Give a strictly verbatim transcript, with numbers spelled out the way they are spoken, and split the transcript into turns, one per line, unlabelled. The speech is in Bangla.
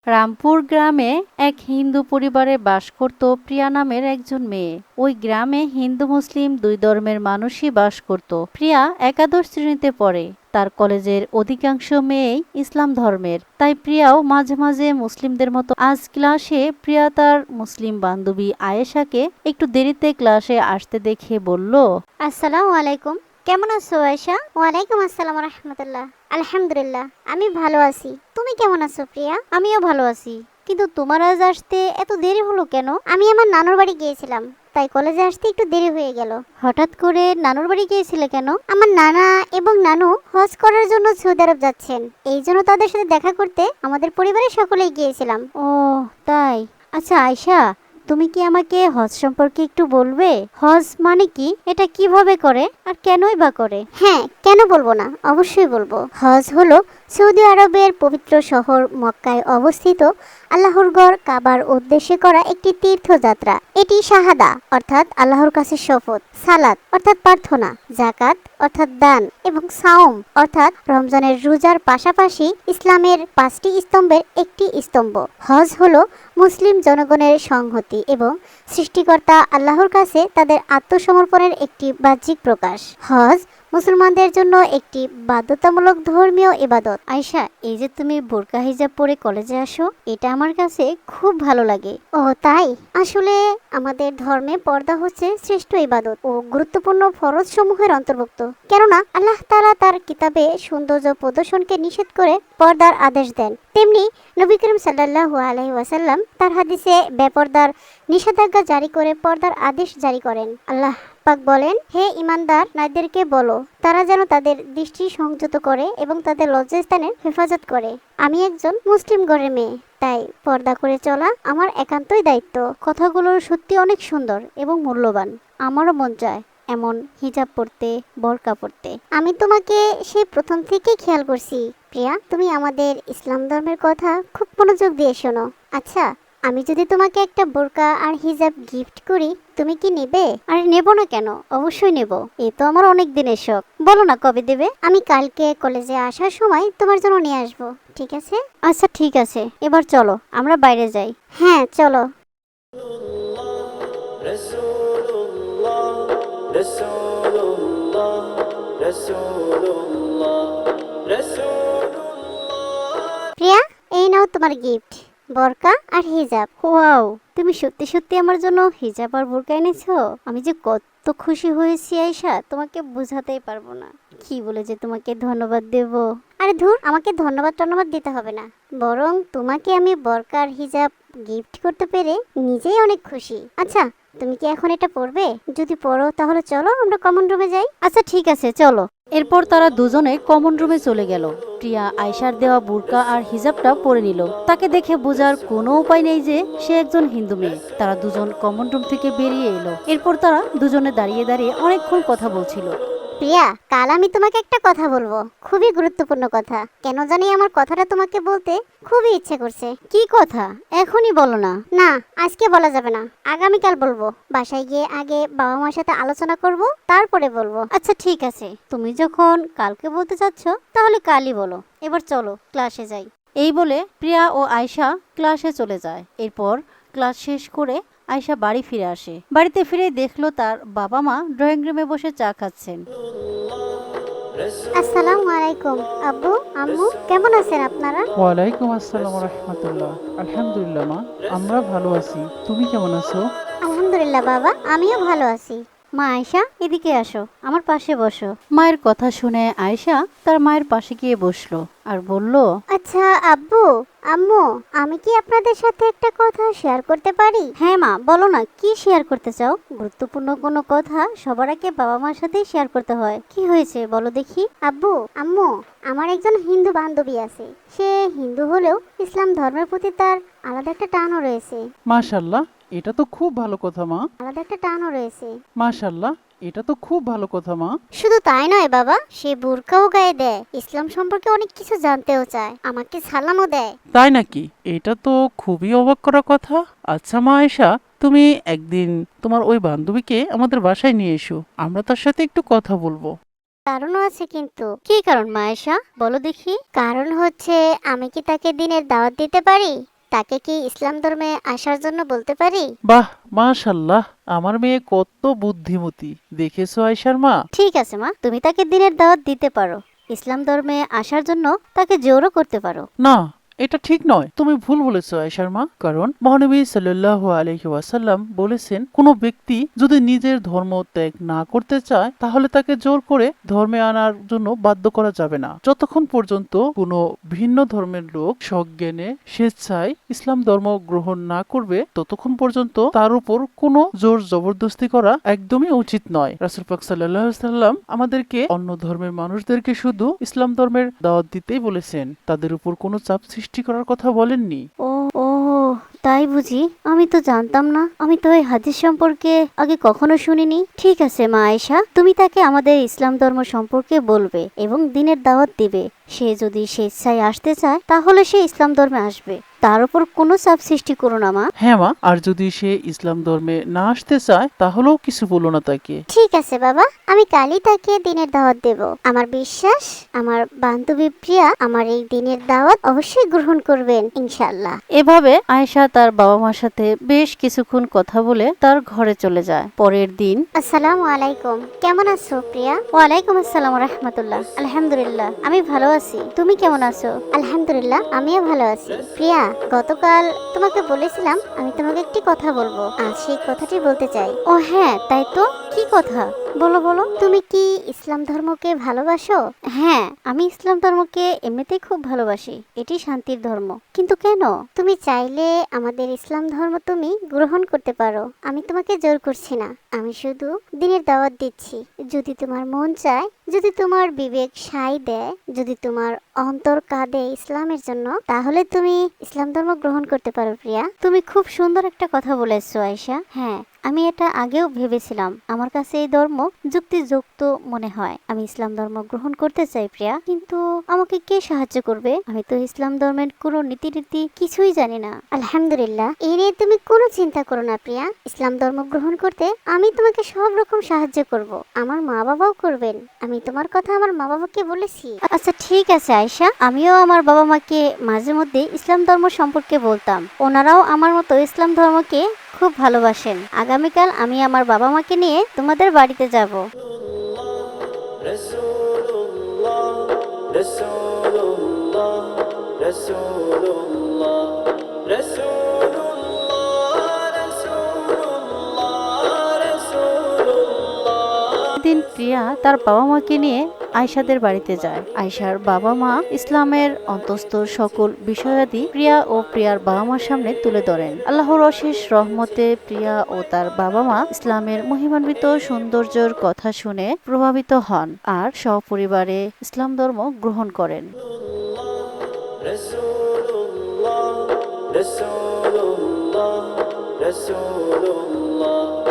রামপুর গ্রামে এক হিন্দু পরিবারে বাস করত প্রিয়া নামের একজন মেয়ে। ওই গ্রামে হিন্দু মুসলিম দুই ধর্মের মানুষই বাস করত। প্রিয়া একাদশ শ্রেণীতে পড়ে। তার কলেজের অধিকাংশ মেয়েই ইসলাম ধর্মের, তাই প্রিয়াও মাঝে মাঝে মুসলিমদের মতো আজ ক্লাসে প্রিয়া তার মুসলিম বান্ধবী আয়েশাকে একটু দেরিতে ক্লাসে আসতে দেখে বলল,
আসসালামু আলাইকুম। কেমন আছো আয়েশা? ওয়ালাইকুম আসসালাম রাহমাতুল্লাহ। আলহামদুলিল্লাহ, আমি ভালো আছি। তুমি কেমন আছো প্রিয়া? আমিও ভালো আছি, কিন্তু তোমার আজ আসতে এত দেরি হলো কেন? আমি আমার নানুর বাড়ি গিয়েছিলাম, তাই কলেজে আসতে একটু দেরি হয়ে গেল। হঠাৎ করে নানুর বাড়ি গিয়েছিলে কেন? আমার নানা এবং নানু হজ করার জন্য সৌদি আরব যাচ্ছেন, এই জন্য তাদের সাথে দেখা করতে আমাদের পরিবারের সকলেই গিয়েছিলাম। ও তাই। আচ্ছা আয়েশা, তুমি কি আমাকে হজ সম্পর্কে একটু বলবে? হজ মানে কি, এটা কিভাবে করে আর কেনই বা করে? হ্যাঁ, কেন বলবো না, অবশ্যই বলবো। হজ হলো সৌদি আরবের পবিত্র শহর মক্কায় অবস্থিত আল্লাহর গড় কাবার উদ্দেশ্যে করা একটি তীর্থযাত্রা। এটি শাহাদা অর্থাৎ আল্লাহর কাছে শপথ, সালাত অর্থাৎ প্রার্থনা, জাকাত অর্থাৎ দান এবং সাওম অর্থাৎ রমজানের রোজার পাশাপাশি ইসলামের পাঁচটি স্তম্ভের একটি স্তম্ভ। হজ হলো মুসলিম জনগণের সংহতি এবং সৃষ্টিকর্তা আল্লাহর কাছে তাদের আত্মসমর্পণের একটি বাহ্যিক প্রকাশ। হজ মুসলমানদের জন্য একটি বাধ্যতামূলক ধর্মীয় ইবাদত। আয়েশা, এই যে তুমি বোরকা হিজাব পরে কলেজে আসো, এটা আমার কাছে খুব ভালো লাগে। ও তাই? আসলে আমাদের ধর্মে পর্দা হচ্ছে শ্রেষ্ঠ ইবাদত ও গুরুত্বপূর্ণ ফরজ সমূহের অন্তর্ভুক্ত। কেননা আল্লাহ তাআলা তার কিতাবে সৌন্দর্য প্রদর্শনকে নিষেধ করে পর্দার আদেশ দেন, তেমনি নবী করিম সাল্লাল্লাহু আলাইহি ওয়াসাল্লাম তার হাদিসে বেপর্দার নিষেধাজ্ঞা জারি করে পর্দার আদেশ জারি করেন। আল্লাহ পাক বলেন, হে ঈমানদার নারীদেরকে বলো তারা যেন তাদের দৃষ্টি সংযত করে এবং তাদের লজ্জাস্থানের হেফাজত করে। আমি একজন মুসলিম ঘরের মেয়ে, তাই পর্দা করে চলা আমার একান্তই দায়িত্ব। কথাগুলো সত্যি অনেক সুন্দর এবং মূল্যবান। আমারও মন চায় এমন হিজাব পরতে, বোরকা পরতে। আমি তোমাকে সেই প্রথম থেকেই খেয়াল করছি প্রিয়া, তুমি আমাদের ইসলাম ধর্মের কথা খুব মনোযোগ দিয়ে শোনো। আচ্ছা, আমি যদি তোমাকে একটা বোরকা আর হিজাব গিফট করি, তুমি কি নেবে? আরে নেব না কেন, অবশ্যই নেব। এ তো আমার অনেক দিনের শখ। বলো না কবে দেবে? আমি কালকে কলেজে আসার সময় তোমার জন্য নিয়ে আসবো, ঠিক আছে? আচ্ছা ঠিক আছে, এবার চলো আমরা বাইরে যাই। হ্যাঁ চলো। প্রিয়া, এই নাও তোমার গিফট, বোরকা আর হিজাব। ওয়াও, তুমি সত্যি সত্যি আমার জন্য হিজাব আর বোরকা এনেছো। আমি যে কত খুশি হয়েছি আয়েশা, তোমাকে বোঝাতেই পারবো না। কি বলে যে তোমাকে ধন্যবাদ দেব। আরে ধুর, আমাকে ধন্যবাদ টন্যবাদ দিতে হবে না, বরং তোমাকে আমি বোরকা আর হিজাব গিফট করতে পেরে নিজেই অনেক খুশি। আচ্ছা, তুমি কি এখন এটা পরবে? যদি পরো তাহলে চলো আমরা কমন রুমে যাই। আচ্ছা ঠিক আছে, চলো।
এরপর তারা দুজনে কমন রুমে চলে গেল। প্রিয়া আয়েশার দেওয়া বুরকা আর হিজাবটা পরে নিল। তাকে দেখে বোঝার কোনো উপায় নেই যে সে একজন হিন্দু মেয়ে। তারা দুজন কমন রুম থেকে বেরিয়ে এলো। এরপর তারা দুজনে দাঁড়িয়ে দাঁড়িয়ে অনেকক্ষণ কথা বলছিল।
প্রিয়া, কাল আমি তোমাকে একটা কথা বলবো, খুবই গুরুত্বপূর্ণ কথা। কেন জানি আমার কথাটা তোমাকে বলতে খুবই ইচ্ছে করছে।
কি কথা? এখনই বলো না।
না, আজকে বলা যাবে না, আগামীকাল বলবো। বাসায় গিয়ে আগে বাবা মার সাথে আলোচনা করব, তারপরে বলবো।
আচ্ছা ঠিক আছে, তুমি যখন কালকে বলতে চাচ্ছ তাহলে কালই বলো। এবার চলো ক্লাসে যাই। এই বলে প্রিয়া ও আয়েশা ক্লাসে চলে যায়। এরপর ক্লাস শেষ করে আয়েশা বাড়ি ফিরে আসে। বাড়িতে ফিরে দেখলো তার বাবা মা ড্রয়িং রুমে বসে চা খাচ্ছেন।
আসসালামু আলাইকুম আব্বু, আম্মু, কেমন আছেন আপনারা?
ওয়ালাইকুম আসসালাম রাহমাতুল্লাহ। আলহামদুলিল্লাহ মা, আমরা ভালো আছি। তুমি কেমন আছো?
আলহামদুলিল্লাহ বাবা, আমিও ভালো আছি।
মা আয়েশা, এদিকে আসো, আমার পাশে বসো। মায়ের কথা শুনে আয়েশা তার মায়ের পাশে গিয়ে বসলো আর বলল,
আচ্ছা আব্বু, আম্মু, আমি কি আপনাদের সাথে একটা কথা শেয়ার করতে পারি?
হ্যাঁ মা, বলো না, কি শেয়ার করতে চাও? গুরুত্বপূর্ণ কোনো কথা সবার আগে বাবা মার সাথেই শেয়ার করতে হয়। কি হয়েছে বলো দেখি।
আব্বু, আম্মু, আমার একজন হিন্দু বান্ধবী আছে। সে হিন্দু হলেও ইসলাম ধর্মের প্রতি তার আলাদা একটা টানও রয়েছে।
মাশাআল্লাহ, এটা তো খুব ভালো কথা মা।
আলাদা একটা টানও রয়েছে।
মাশাআল্লাহ, এটা তো খুব ভালো কথা মা।
শুধু তাই নয় বাবা, সে বুরকাও গায়ে দেয়, ইসলাম সম্পর্কে অনেক কিছু জানতেও চায়, আমাকে সালামও দেয়।
তাই নাকি? এটা তো খুবই অবাক করা কথা। আচ্ছা মা আয়েশা, তুমি একদিন তোমার ওই বান্ধবীকে আমাদের বাসায় নিয়ে এসো, আমরা তার সাথে একটু কথা বলবো।
কারণও আছে কিন্তু।
কি কারণ মা আয়েশা, বলো দেখি।
কারণ হচ্ছে, আমি কি তাকে দিনের দাওয়াত দিতে পারি? তাকে কি ইসলাম ধর্মে আসার জন্য বলতে পারি?
বাহ, মাশাল্লাহ, আমার মেয়ে কত বুদ্ধিমতী দেখেছো আয়শার মা।
ঠিক আছে মা, তুমি তাকে দিনের দাওয়াত দিতে পারো, ইসলাম ধর্মে আসার জন্য তাকে জোরও করতে পারো।
না, এটা ঠিক নয়, তুমি ভুল বলেছো আয়শার মা। কারণ মহানবী সাল্লাল্লাহু আলাইহি ওয়াসাল্লাম বলেছেন, কোনো ব্যক্তি যদি নিজের ধর্ম ত্যাগ না করতে চায় তাহলে তাকে জোর করে ধর্মে আনার জন্য বাধ্য করা যাবে না। যতক্ষণ পর্যন্ত কোনো ভিন্ন ধর্মের লোক সজ্ঞানে স্বেচ্ছায় ইসলাম ধর্ম গ্রহণ না করবে ততক্ষণ পর্যন্ত তার উপর কোনো জোর জবরদস্তি করা একদমই উচিত নয়। রাসূল পাক সাল্লাল্লাহু আলাইহি ওয়াসাল্লাম আমাদেরকে অন্য ধর্মের মানুষদেরকে শুধু ইসলাম ধর্মের দাওয়াত দিতেই বলেছেন, তাদের উপর কোনো চাপ সৃষ্টি করার কথা বলেননি।
ও ও তাই বুঝি? আমি তো জানতাম না, আমি তো এই হাদিস সম্পর্কে আগে কখনো শুনিনি। ঠিক আছে মা আয়েশা, তুমি তাকে আমাদের ইসলাম ধর্ম সম্পর্কে বলবে এবং দিনের দাওয়াত দিবে। সে যদি স্বেচ্ছায় আসতে চায় তাহলে সে ইসলাম ধর্মে আসবে, তার উপর কোনো চাপ সৃষ্টি করো না মা।
হ্যাঁ মা, আর যদি সে ইসলাম ধর্মে না আসতে চায় তাহলেও কিছু বলো না তাকে।
ঠিক আছে বাবা, আমি কালই তাকে দিনের দাওয়াত দেব। আমার বিশ্বাস আমার বান্ধবী প্রিয়া আমার এই দিনের দাওয়াত অবশ্যই গ্রহণ করবেন ইনশাআল্লাহ।
এভাবে আয়েশা তার বাবা মার সাথে বেশ কিছুক্ষণ কথা বলে তার ঘরে চলে যায়। পরের দিন
আসসালামু আলাইকুম, কেমন আছো প্রিয়া? ওয়ালাইকুম আসসালাম রাহমাতুল্লাহ। আলহামদুলিল্লাহ, আমি ভালো আছি, তুমি কেমন আছো? আলহামদুলিল্লাহ, আমিও ভালো আছি। প্রিয়া, গতকাল তোমাকে বলেছিলাম আমি তোমাকে একটি কথা বলবো, আজ সেই কথাটি বলতে চাই। ও হ্যাঁ, তাই তো, কি কথা? বলো বলো। তুমি কি ইসলাম ধর্মকে ভালোবাসো? হ্যাঁ, আমি ইসলাম ধর্মকে এমনিতেই খুব ভালোবাসি, এটি শান্তির ধর্ম। কিন্তু কেন? তুমি চাইলে আমাদের ইসলাম ধর্ম তুমি গ্রহণ করতে পারো, আমি তোমাকে জোর করছি না, আমি শুধু দিনের দাওয়াত দিচ্ছি। যদি তোমার মন চায়, যদি তোমার বিবেক সায় দেয়, যদি তোমার অন্তর কাঁদে ইসলামের জন্য, তাহলে তুমি ইসলাম ধর্ম গ্রহণ করতে পারো প্রিয়া। তুমি খুব সুন্দর একটা কথা বলেছো আয়েশা। হ্যাঁ, আমি এটা আগেও ভেবেছিলাম, আমার কাছে এই ধর্ম যুক্তিযুক্ত মনে হয়। আমি ইসলাম ধর্ম গ্রহণ করতে চাই প্রিয়া, কিন্তু আমাকে কে সাহায্য করবে? আমি তো ইসলাম ধর্মের কোনো নীতিরীতি কিছুই জানি না। আলহামদুলিল্লাহ, এই নিয়ে তুমি কোনো চিন্তা করো না প্রিয়া। ইসলাম ধর্ম গ্রহণ করতে আমি তোমাকে সব রকম সাহায্য করব, আমার মা বাবাও করবেন। আমি তোমার কথা আমার মা বাবাকে বলেছি। আচ্ছা ঠিক আছে আয়েশা, আমিও আমার বাবা মাকে মাঝে মধ্যে ইসলাম ধর্ম সম্পর্কে বলতাম, ওনারাও আমার মতো ইসলাম ধর্মকে খুব ভালোবাসেন। আগামীকাল আমি আমার বাবা মাকে নিয়ে তোমাদের বাড়িতে যাব।
রাসূলুল্লাহ রাসূলুল্লাহ রাসূলুল্লাহ রাসূলুল্লাহ রাসূলুল্লাহ রাসূলুল্লাহ।
দিন প্রিয়া তার বাবা মাকে নিয়ে আয়েশাদের বাড়িতে যায়। আয়েশার বাবা মা ইসলামের অন্তঃস্থ সকল বিষয়াদি প্রিয়া ও প্রিয়ার বাবা মার সামনে তুলে ধরেন। আল্লাহর অশেষ রহমতে প্রিয়া ও তার বাবা মা ইসলামের মহিমান্বিত সৌন্দর্যের কথা শুনে প্রভাবিত হন আর সপরিবারে ইসলাম ধর্ম গ্রহণ করেন।
রাসূলুল্লাহ রাসূলুল্লাহ রাসূলুল্লাহ